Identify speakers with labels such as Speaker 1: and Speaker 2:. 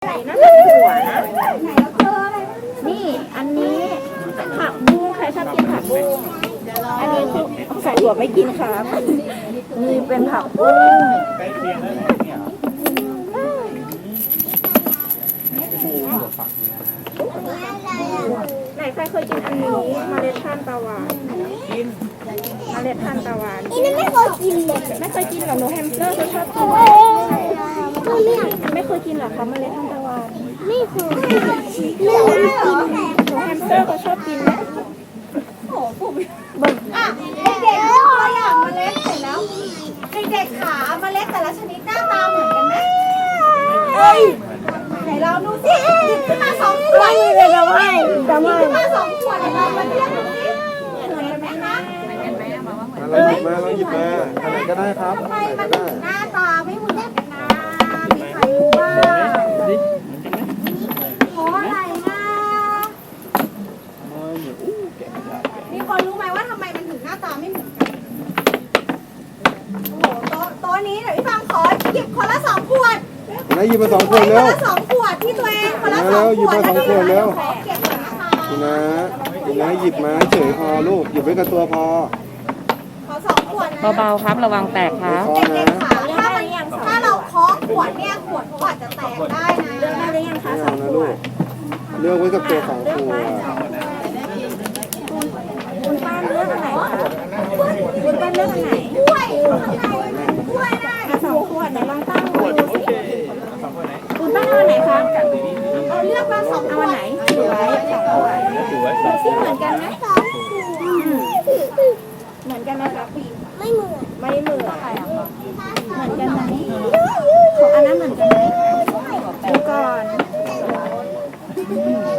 Speaker 1: นั่นเป็นถั่วนะนี่อันนี้ผักบุ้งใครชอบกินผักบุ้งอันนี้คือใส่ถั่วไม่กินครับนี่เป็นผักบุ้งไหนใครเคยกินอันนี้เมล็ดทานตะวันเมล็ดทานตะวัน
Speaker 2: นี่ไม่เคยกินเลย
Speaker 1: ไม่เคยกินหรอหนูแฮมสเตอร์เขาชอบกินไม่เคยกินหรอคะเมล็ดทานตะวัน
Speaker 2: ไม่เคยลืมกิน
Speaker 1: หนูแฮมสเตอร์เขาชอบกินไหม
Speaker 3: อ่ะเด็กๆตัวอย่างเมล็ดเสร็จแล้วเด็กๆขาเมล็ดแต่ละชนิดหน้าตาเหมือนกันไหมไหนเราดูสิหยิบขึ้นมา2 ขวด
Speaker 1: เลยจะไม่
Speaker 3: หยิบขึ้นมา2 ขวดเดี๋ยวเรามาเทียบดูสิเหมือนกันไหมคะ
Speaker 4: เราหยิบมาอันไหนก็ได้ครับ
Speaker 3: ทำไม
Speaker 4: อันไหน
Speaker 3: มัน
Speaker 4: ก็
Speaker 3: ถึ
Speaker 4: ได้
Speaker 3: งหน้าตาไม่เหมือนกันนะมีใครรู้บ้างเพราะอะไรนะมีคนรู้ไหมว่าทำไมมันถึงหน้าตาไม่เหมือนกันโอ้โหโต๊ะนี้เดี๋ยวพี่ฟังขอหยิบคนละ2 ขวด
Speaker 4: อันไหนหยิบมา2 ขวด
Speaker 3: ค
Speaker 4: เร็
Speaker 3: น
Speaker 4: ว
Speaker 3: ละ2 ขวดที่ตัวเองคนละ
Speaker 4: มาแล้ว
Speaker 3: 2
Speaker 4: หยิบมา2 ขวดเร็ว
Speaker 3: ขอเก็บก่อนนะคะ
Speaker 4: คุณนะหยิบมาเฉยพอลูกหยิบไว้กับตัวพอ
Speaker 3: ขอ2 ขวดนะ
Speaker 1: เบาๆครับระวังแตกครับ
Speaker 4: พอ
Speaker 3: เด็
Speaker 4: นะ
Speaker 3: กๆค่ะถ้าเราเคาะขวดเนี่ยขวดเขาอาจจะแตกได้นะ
Speaker 1: เลือกได้หรือยังคะ
Speaker 4: ไม่
Speaker 1: สอ
Speaker 4: เอา
Speaker 1: ง
Speaker 4: นะ
Speaker 1: ข
Speaker 4: ลู
Speaker 1: ว
Speaker 4: ก
Speaker 1: ด
Speaker 4: เลือกไว้กับตัว2 ขวด
Speaker 1: คุณป้าเลือกอันไหนคะคุณป้าเลือกอันไหน
Speaker 3: กล้วยข้างในกล้วยได้
Speaker 1: 2 ขวดไหนลองตั้งดูสิคุณป้าเอาอันไหนคะ
Speaker 3: เราเลือกมา2 ข
Speaker 1: เอา
Speaker 3: ว
Speaker 1: อัน
Speaker 3: ด
Speaker 1: ไหนถือไว้2 ขวดดูสิเหมือนกันไหมเหมือนกันไหมคะ
Speaker 2: ไม่เหมือน
Speaker 1: ไม่เหมือนเหมือนกันไหมของอันนั้นเหมือนกันไหมดูก่อน